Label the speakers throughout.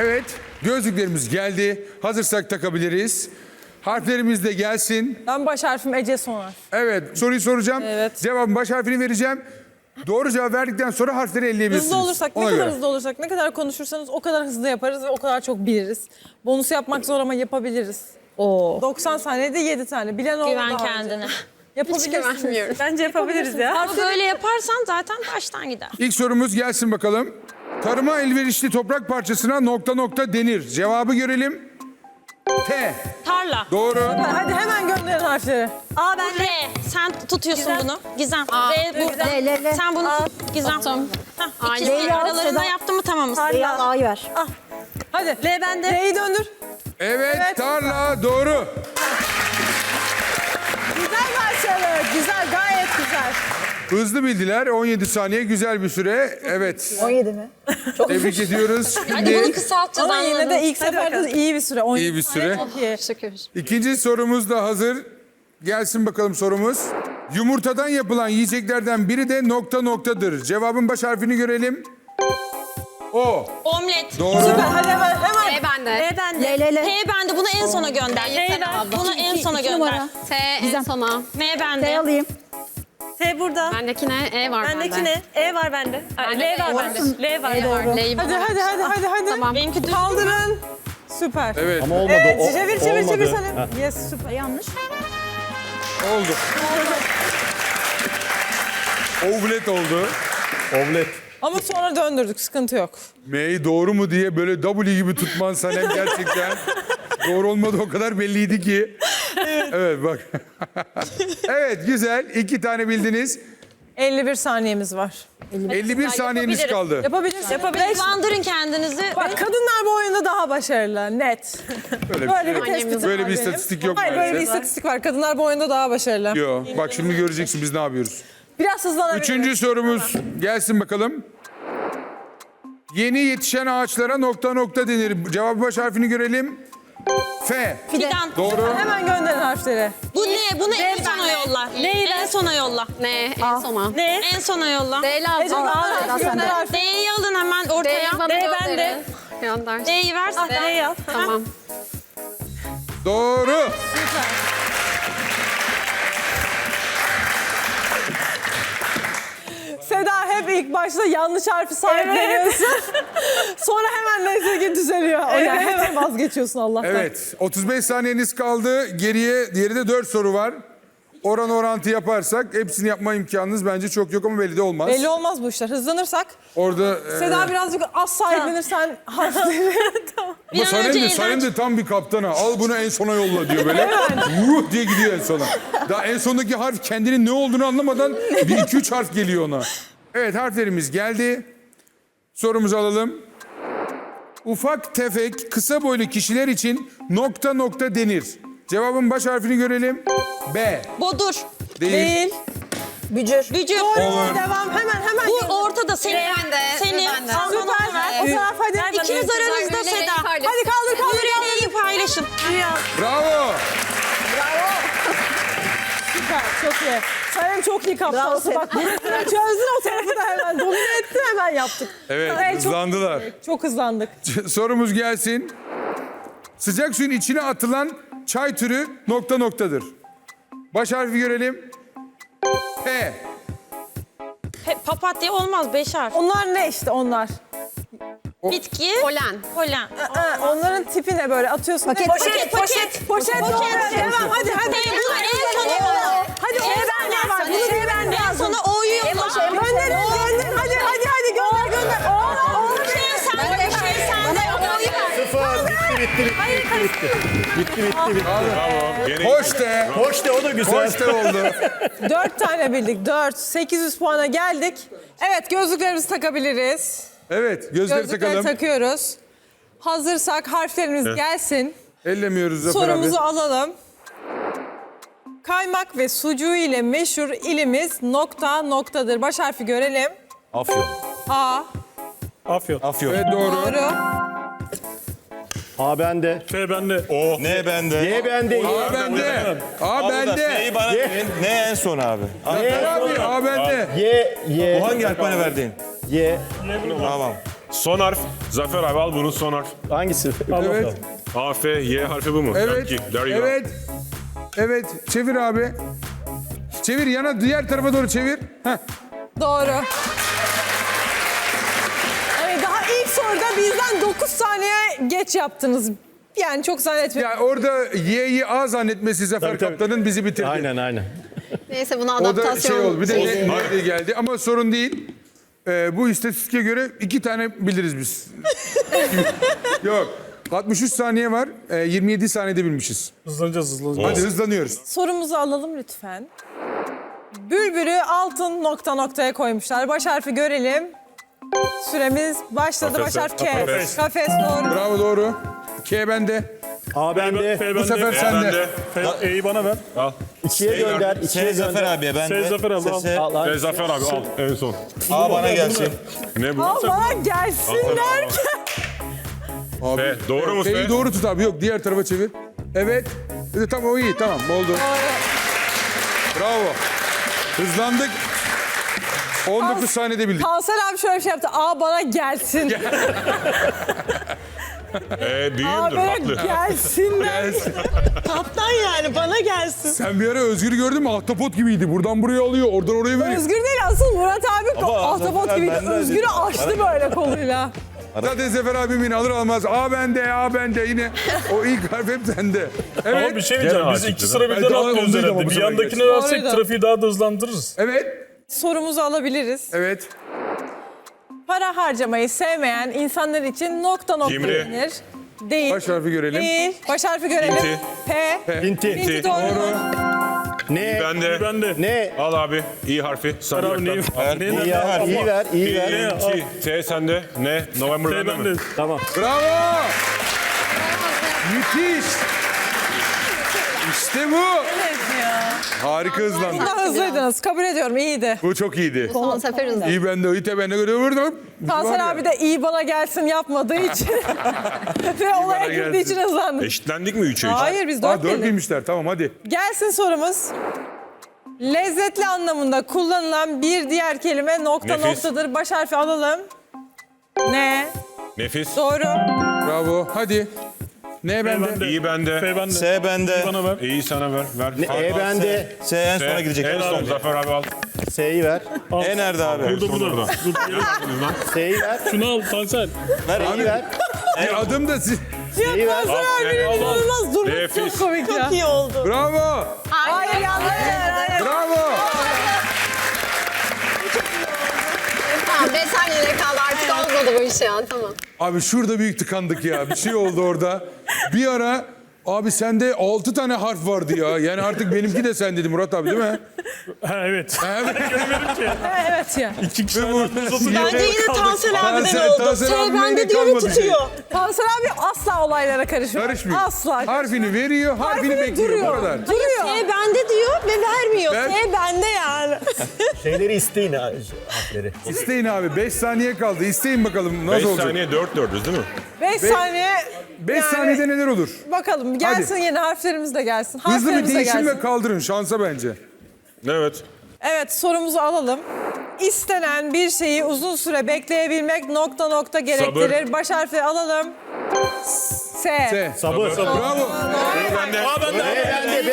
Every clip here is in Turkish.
Speaker 1: Evet, gözlüklerimiz geldi. Hazırsak takabiliriz. Harflerimiz de gelsin.
Speaker 2: Ben baş harfim Ece son harf.
Speaker 1: Evet, soruyu soracağım.
Speaker 2: Evet.
Speaker 1: Cevabın baş harfini vereceğim. Doğru cevap verdikten sonra harfleri elleyebilirsiniz.
Speaker 2: Hızlı olursak, ne
Speaker 1: Ona
Speaker 2: kadar
Speaker 1: göre.
Speaker 2: hızlı olursak, ne kadar konuşursanız o kadar hızlı yaparız ve o kadar çok biliriz. Bonus yapmak zor ama yapabiliriz. 90 saniyede 7 tane. Bilen oldu
Speaker 3: Güven
Speaker 2: daha önce.
Speaker 3: kendine.
Speaker 2: Yapabilirsiniz.
Speaker 4: güvenmiyorum.
Speaker 2: Bence yapabiliriz ya.
Speaker 3: Ama böyle yaparsan zaten baştan gider.
Speaker 1: İlk sorumuz gelsin bakalım. Tarıma elverişli toprak parçasına nokta nokta denir. Cevabı görelim. T.
Speaker 3: Tarla.
Speaker 1: Doğru.
Speaker 2: Hadi hemen gönderin harfleri.
Speaker 3: A ben R. Sen tutuyorsun
Speaker 4: Gizem.
Speaker 3: bunu. Gizem.
Speaker 4: A.
Speaker 3: R burada.
Speaker 4: L.
Speaker 3: Sen bunu tut. Gizem. Hah, ikisi
Speaker 4: L'yi al,
Speaker 3: aralarında
Speaker 4: Seda.
Speaker 3: yaptın mı tamamız.
Speaker 4: Beyaz A'yı ver.
Speaker 2: Hadi. L bende. L'yi döndür.
Speaker 1: Evet,
Speaker 2: Evet.
Speaker 1: tarla doğru.
Speaker 2: Güzel başladı. Güzel, gayet güzel.
Speaker 1: Hızlı bildiler. 17 saniye güzel bir süre. Evet.
Speaker 4: 17 mi?
Speaker 1: Tebrik ediyoruz.
Speaker 3: Hadi bunu
Speaker 1: Şimdi
Speaker 3: kısaltacağız
Speaker 2: Ama yine
Speaker 3: anladın.
Speaker 2: de ilk seferde iyi bir süre. 17
Speaker 1: iyi bir süre.
Speaker 2: Çok iyi.
Speaker 4: Şükür.
Speaker 1: İkinci sorumuz da hazır. Gelsin bakalım sorumuz. Yumurtadan yapılan yiyeceklerden biri de nokta noktadır. Cevabın baş harfini görelim. O.
Speaker 3: Omlet.
Speaker 1: Doğru.
Speaker 2: Süper. Hadi hemen.
Speaker 3: T bende.
Speaker 4: L.
Speaker 3: T bende. Bunu en sona gönder. Bunu en sona
Speaker 4: İki
Speaker 3: gönder.
Speaker 4: numara.
Speaker 5: T en sona.
Speaker 3: M
Speaker 4: T
Speaker 3: bende.
Speaker 4: alayım.
Speaker 6: T burada.
Speaker 5: Bendekine E var
Speaker 6: Bendeki
Speaker 5: bende.
Speaker 6: ne? E var bende. Ay,
Speaker 5: Bende
Speaker 6: L var
Speaker 5: E
Speaker 6: bende. L var.
Speaker 4: E doğru.
Speaker 5: L'yi
Speaker 2: Hadi
Speaker 5: bana
Speaker 2: hadi
Speaker 5: ver.
Speaker 2: hadi hadi hadi.
Speaker 5: Tamam.
Speaker 3: Benimki düz.
Speaker 2: Kaldırın. Süper.
Speaker 1: Evet.
Speaker 7: Ama olmadı.
Speaker 2: Evet,
Speaker 7: o,
Speaker 2: çevir çevir
Speaker 7: olmadı.
Speaker 2: çevir Sanem. Yes, süper.
Speaker 4: Yanlış.
Speaker 1: Oldu. Ovlet oldu.
Speaker 7: Omlet.
Speaker 2: Ama sonra döndürdük, sıkıntı yok.
Speaker 1: M'yi doğru mu diye böyle W gibi tutman Sanem gerçekten. Doğru olmadı o kadar belliydi ki. Evet bak. Evet güzel. 2 tane bildiniz.
Speaker 2: 51 saniyemiz var.
Speaker 1: 51 saniyeniz kaldı.
Speaker 2: Yapabilirsiniz.
Speaker 3: Hızlandırın kendinizi.
Speaker 2: Bak kadınlar bu oyunda daha başarılı, net.
Speaker 1: Böyle
Speaker 2: Böyle
Speaker 1: bir,
Speaker 2: bir tespit
Speaker 1: böyle
Speaker 2: var
Speaker 1: bir
Speaker 2: benim.
Speaker 1: istatistik yok
Speaker 2: Hayır, böyle bir
Speaker 1: maalesef.
Speaker 2: istatistik var. Kadınlar bu oyunda daha başarılı.
Speaker 1: Yok. Bak şimdi göreceksin biz ne yapıyoruz.
Speaker 2: Biraz hızlanabiliriz.
Speaker 1: Üçüncü sorumuz gelsin bakalım. Yeni yetişen ağaçlara nokta nokta denir. Cevabı baş harfini görelim. F.
Speaker 3: Fidan.
Speaker 1: Doğru.
Speaker 2: Hemen gönderin harfleri.
Speaker 3: Bu ne? Bunu en sona yolla. En sona yolla.
Speaker 5: Ne en sona.
Speaker 6: Ne?
Speaker 3: En sona yolla.
Speaker 5: D lazım.
Speaker 2: Ece, al harfi gönder harfi.
Speaker 3: D'yi alın hemen
Speaker 5: D'yi
Speaker 3: ortaya.
Speaker 5: bana
Speaker 6: D
Speaker 5: gönderin.
Speaker 6: bende.
Speaker 5: Gönder.
Speaker 3: D'yi ver.
Speaker 6: D'yi al.
Speaker 5: Tamam.
Speaker 1: Doğru.
Speaker 2: Seda hep ilk başta yanlış harfi sahipleniyorsun. Sonra hemen neyse ki düzeliyor. O yani hemen vazgeçiyorsun Allah'tan.
Speaker 1: Evet. 35 saniyeniz kaldı. Geriye diğeri 4 soru var. Oran orantı yaparsak hepsini yapma imkanınız bence çok yok ama belli de olmaz.
Speaker 2: Belli olmaz bu işler. Hızlanırsak.
Speaker 1: Orada
Speaker 2: Seda birazcık az sahiplenirsen harfleri.
Speaker 1: ama
Speaker 3: Bir an önce
Speaker 1: Sanem de tam bir kaptana. Al bunu en sona yolla diyor böyle. Vuh diye gidiyor en sona. Daha en sondaki harf kendinin ne olduğunu anlamadan bir 2-3 harf geliyor ona. Evet harflerimiz geldi. Sorumuzu alalım. Ufak tefek kısa boylu kişiler için nokta nokta denir. Cevabın baş harfini görelim. B.
Speaker 3: Bodur.
Speaker 1: Değil.
Speaker 2: Değil.
Speaker 4: Bücür.
Speaker 3: Gücür.
Speaker 1: Olur.
Speaker 2: Devam hemen.
Speaker 3: Bu ortada senin.
Speaker 5: bende,
Speaker 3: Senin.
Speaker 5: bende.
Speaker 3: Al bana
Speaker 2: Süper.
Speaker 3: ver.
Speaker 2: O taraf hadi.
Speaker 3: İkiniz aranızda Seda.
Speaker 2: Hadi kaldır.
Speaker 3: Yüreği paylaşın.
Speaker 1: Bravo.
Speaker 2: Süper. Çok iyi. Sayın çok iyi kaptansın. Bak burasını çözdün o tarafı da hemen. Domine etti hemen yaptık.
Speaker 1: Evet
Speaker 2: Sayın
Speaker 1: hızlandılar.
Speaker 2: Çok hızlandık.
Speaker 1: Sorumuz gelsin. Sıcak suyun içine atılan çay türü nokta noktadır. Baş harfi görelim. P.
Speaker 3: Papatya olmaz 5 harf.
Speaker 2: Onlar ne işte onlar?
Speaker 3: Bitki.
Speaker 5: Polen.
Speaker 3: Polen.
Speaker 2: Onların tipi ne böyle atıyorsun.
Speaker 4: Paket.
Speaker 2: Poşet doğru. Devam hadi.
Speaker 3: Bunu en sona yolla.
Speaker 2: Hadi o bende var. Bunu şey bende.
Speaker 3: En sona O'yu yolla.
Speaker 2: Gönderin. Hadi gönder.
Speaker 3: Şey sende. Şey sende. O'yu ver.
Speaker 7: Sıfır. Bitti. Bitti.
Speaker 1: Hoş de.
Speaker 7: Hoş de o da güzel.
Speaker 1: Hoş de oldu.
Speaker 2: 4 tane bildik. 4. 800 puana geldik. Evet gözlüklerimizi takabiliriz.
Speaker 1: Evet gözleri
Speaker 2: Gözlükleri
Speaker 1: takalım.
Speaker 2: takıyoruz. Hazırsak harflerimiz gelsin.
Speaker 1: Ellemiyoruz Zafer
Speaker 2: Sorumuzu
Speaker 1: abi.
Speaker 2: alalım. Kaymak ve sucuğu ile meşhur ilimiz nokta noktadır. Baş harfi görelim.
Speaker 7: Afyon.
Speaker 2: A.
Speaker 7: Afyon.
Speaker 1: Evet doğru.
Speaker 2: Doğru.
Speaker 7: A bende.
Speaker 8: F bende.
Speaker 9: O. Ne bende?
Speaker 7: Y bende.
Speaker 1: A bende. A bende.
Speaker 9: Neyi bana ne en son abi?
Speaker 1: Zafer abi A bende.
Speaker 7: Y.
Speaker 9: Bu hangi harf bana verdiğin?
Speaker 7: Y.
Speaker 9: Tamam.
Speaker 8: Son harf. Zafer abi al bunun son harf.
Speaker 7: Hangisi?
Speaker 1: Evet.
Speaker 8: A, F, Y harfi bu mu?
Speaker 1: Evet.
Speaker 8: Yankee. There you go.
Speaker 1: Evet. Evet. Çevir abi. Çevir yana diğer tarafa doğru çevir. Heh.
Speaker 2: Doğru. Evet, daha ilk soruda bizden 9 saniye geç yaptınız. Yani çok zannetmiyorum.
Speaker 1: Ya orada Y'yi A zannetmesi Zafer
Speaker 7: Tabii, tabii.
Speaker 1: Kaptan'ın bizi bitirdi.
Speaker 7: Aynen.
Speaker 5: Neyse buna
Speaker 1: O da
Speaker 5: adaptasyon.
Speaker 1: şey oldu. Bir de ne geldi ama sorun değil. Bu istatistike göre 2 tane biliriz biz. Yok. 63 saniye var. 27 saniyede bilmişiz.
Speaker 7: Hızlanacağız.
Speaker 1: Hadi hızlanıyoruz.
Speaker 2: Sorumuzu alalım lütfen. Bülbül'ü altın nokta noktaya koymuşlar. Baş harfi görelim. Süremiz başladı.
Speaker 8: Kafes.
Speaker 2: Baş harf K.
Speaker 8: Kafes.
Speaker 2: Kafes doğru.
Speaker 1: Bravo doğru. K bende.
Speaker 7: A bende.
Speaker 1: Bu sefer sende.
Speaker 7: E'yi bana ver.
Speaker 8: Al.
Speaker 7: 2'ye gönder. 2'ye
Speaker 9: S Zafer
Speaker 7: gönder.
Speaker 9: abiye ben
Speaker 7: S
Speaker 9: de.
Speaker 7: Zafer abi al.
Speaker 9: S.
Speaker 7: Al,
Speaker 8: Ve Zafer abi al en son.
Speaker 9: A bana gelsin.
Speaker 8: Ne bu?
Speaker 2: Al bana gelsin derken.
Speaker 1: Abi,
Speaker 8: F. Doğru mu
Speaker 1: F'yi
Speaker 8: F?
Speaker 1: doğru tut abi. Yok diğer tarafa çevir. Evet. Tamam o iyi. Tamam oldu. Bravo. Hızlandık. 19 saniyede bildik.
Speaker 2: Kanser abi şöyle bir şey yaptı. Aa bana gelsin. Aa
Speaker 8: Büyüğümdür
Speaker 2: bana
Speaker 8: haklı.
Speaker 2: gelsin derken. Kaptan yani bana gelsin.
Speaker 1: Sen bir ara Özgür'ü gördün mü? Ahtapot gibiydi. Buradan buraya alıyor. Oradan oraya veriyor.
Speaker 2: Özgür değil asıl Murat abi ahtapot
Speaker 9: Zafer
Speaker 2: gibiydi.
Speaker 9: bende
Speaker 2: Özgür'ü
Speaker 9: dedi.
Speaker 2: açtı böyle koluyla.
Speaker 1: Zaten Zafer abim yine alır almaz. A bende yine. O ilk harf hep sende. Evet.
Speaker 10: Ama bir şey diyeceğim.
Speaker 8: Gene
Speaker 10: Biz
Speaker 8: açık
Speaker 10: iki
Speaker 8: dedi.
Speaker 10: sıra birden
Speaker 1: Evet,
Speaker 10: atlıyoruz
Speaker 1: ondaydı ama
Speaker 10: herhalde.
Speaker 1: bu
Speaker 10: Bir
Speaker 1: sefer
Speaker 10: yandakine
Speaker 1: geç.
Speaker 10: versek
Speaker 2: Doğruydu.
Speaker 10: trafiği daha da hızlandırırız.
Speaker 1: Evet.
Speaker 2: Sorumuzu alabiliriz.
Speaker 1: Evet.
Speaker 2: Para harcamayı sevmeyen insanlar için nokta nokta
Speaker 8: Cimri.
Speaker 2: denir. Değil.
Speaker 1: Baş harfi görelim.
Speaker 2: Değil. Baş harfi görelim.
Speaker 8: Pinti.
Speaker 2: P.
Speaker 7: Pinti.
Speaker 2: Pinti doğru.
Speaker 7: Ne?
Speaker 8: Bende.
Speaker 10: Bende.
Speaker 7: Ne?
Speaker 8: Al abi. İ harfi. Sarı
Speaker 10: Abi neyi?
Speaker 8: yaktan.
Speaker 9: Ver.
Speaker 10: Neyi?
Speaker 7: İyi ver. İyi ver. İyi ver.
Speaker 8: İ, T sende. Ne? November
Speaker 10: T
Speaker 8: bende mi?
Speaker 10: bende.
Speaker 7: Tamam.
Speaker 1: Bravo. Müthiş. İşte bu.
Speaker 2: Evet ya.
Speaker 1: Harika hızlandı.
Speaker 2: Bunda hızlıydınız. Kabul ediyorum. iyiydi.
Speaker 1: Bu çok iyiydi.
Speaker 5: Son sefer hızlı.
Speaker 1: İyi bende, iyi de bende vurdum.
Speaker 2: Kanser abi de iyi bana gelsin yapmadığı için ve olaya
Speaker 1: bana
Speaker 2: girdiği
Speaker 1: gelsin.
Speaker 2: için hızlandık.
Speaker 8: Eşitlendik mi 3'e 3?
Speaker 2: Hayır biz
Speaker 1: Aa
Speaker 2: 4
Speaker 1: 4
Speaker 2: bildik.
Speaker 1: bilmişler. Tamam hadi.
Speaker 2: Gelsin sorumuz. Lezzetli anlamında kullanılan bir diğer kelime nokta
Speaker 8: Nefis.
Speaker 2: noktadır. Baş harfi alalım. Ne?
Speaker 8: Nefis.
Speaker 2: Doğru.
Speaker 1: Bravo. Hadi. Ne bende?
Speaker 8: İyi bende.
Speaker 10: F bende.
Speaker 9: S bende.
Speaker 10: Bana ver.
Speaker 8: İyi sana ver. Ver.
Speaker 7: E bende.
Speaker 9: S en sona gidecek.
Speaker 8: En son Zafer abi al.
Speaker 7: S'yi ver.
Speaker 9: E nerede abi?
Speaker 10: Burada burada. Dur.
Speaker 7: S'yi ver.
Speaker 10: Şunu al Tansel.
Speaker 7: S'yi ver.
Speaker 1: Bir adım da
Speaker 7: S'yi ver.
Speaker 2: Kanser abinin inanılmaz durması
Speaker 8: Nefis.
Speaker 2: çok komik ya. Çok iyi oldu.
Speaker 1: Bravo.
Speaker 2: Hayır yanlış. Hayır.
Speaker 1: Bravo.
Speaker 5: Tamam 5 saniyede kaldı artık olmadı bu iş ya. Tamam.
Speaker 1: Abi şurada büyük tıkandık ya. Bir şey oldu orada. Bir ara abi sende 6 tane harf vardı ya. Yani artık benimki de sen dedi Murat abi değil mi?
Speaker 10: Ha evet.
Speaker 2: Evet ya.
Speaker 10: İki kişi
Speaker 2: Bence yine Tansel abiden oldu.
Speaker 1: bende diyor ve tutuyor.
Speaker 2: Tansel abi asla olaylara karışmıyor.
Speaker 1: Karışmıyor.
Speaker 2: Asla.
Speaker 1: Harfini veriyor, harfini bekliyor. Bu
Speaker 2: duruyor.
Speaker 1: kadar.
Speaker 2: Duruyor.
Speaker 4: bende diyor ve vermiyor.
Speaker 1: Ver.
Speaker 2: bende yani.
Speaker 7: Şeyleri isteyin harfleri.
Speaker 1: İsteyin abi. 5 saniye kaldı. İsteyin bakalım
Speaker 8: 5
Speaker 1: nasıl olacak.
Speaker 8: saniye 4'üz değil mi?
Speaker 2: 5 saniye.
Speaker 1: 5 saniyede neler olur?
Speaker 2: Bakalım gelsin yeni harflerimiz de gelsin.
Speaker 1: Hızlı bir
Speaker 2: Harflerimiz de
Speaker 1: değişim
Speaker 2: gelsin.
Speaker 1: ve kaldırın şansa bence.
Speaker 8: Evet.
Speaker 2: Evet sorumuzu alalım. İstenen bir şeyi uzun süre bekleyebilmek nokta nokta gerektirir.
Speaker 8: Sabır.
Speaker 2: Baş harfi alalım. S.
Speaker 1: S.
Speaker 7: Sabır.
Speaker 1: Bravo.
Speaker 7: B.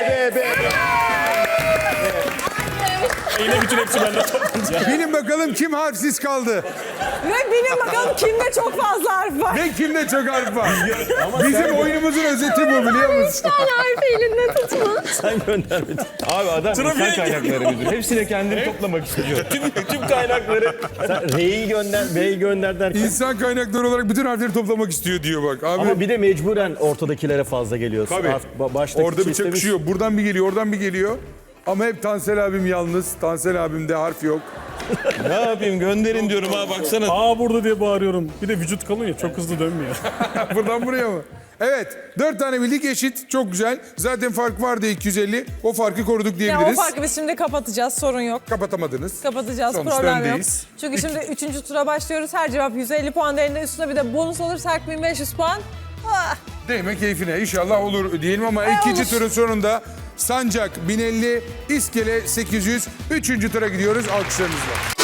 Speaker 10: Yine bütün hepsi bende toplanacak.
Speaker 1: Bilin bakalım kim harfsiz kaldı.
Speaker 2: Ve bilin bakalım kimde çok fazla harf var.
Speaker 1: Ve kimde çok harf var. Bizim oyunumuzun özeti bu biliyor musun?
Speaker 5: Harfi elinde tutma.
Speaker 7: Sen göndermedin.
Speaker 9: Abi adam
Speaker 10: Trafiğe
Speaker 9: insan kaynakları müdürü. Hepsini kendini toplamak istiyor.
Speaker 7: Tüm kaynakları. Sen R'yi gönder, B'yi gönder derken.
Speaker 1: İnsan kaynakları olarak bütün harfleri toplamak istiyor diyor bak. Abi
Speaker 7: Ama bir de mecburen ortadakilere fazla geliyor.
Speaker 1: Tabii.
Speaker 7: Baştaki
Speaker 1: orada bir
Speaker 7: çiftimiz-
Speaker 1: çakışıyor. Buradan bir geliyor, oradan bir geliyor. Ama hep Tansel abim yalnız. Tansel abimde harf yok.
Speaker 9: Ne yapayım gönderin diyorum ha baksana.
Speaker 10: Aa burada diye bağırıyorum. Bir de vücut kalın ya çok hızlı dönmüyor.
Speaker 1: Buradan buraya mı? Evet. 4 tane bildik eşit. Çok güzel. Zaten fark vardı 250. O farkı koruduk
Speaker 2: Ya o
Speaker 1: diyebiliriz.
Speaker 2: farkı biz şimdi kapatacağız. Sorun yok.
Speaker 1: Kapatamadınız.
Speaker 2: Kapatacağız.
Speaker 1: Sonuçta
Speaker 2: Problem yok.
Speaker 1: öndeyiz.
Speaker 2: Çünkü şimdi 3. tura başlıyoruz. Her cevap 150 puan değerinde. Üstüne bir de bonus olursa 1500 puan. Ah,
Speaker 1: Değme keyfine. İnşallah olur diyelim ama ikinci
Speaker 2: olur.
Speaker 1: turun sonunda Sancak 1050, İskele 800. 3. tura gidiyoruz alkışlarınızla.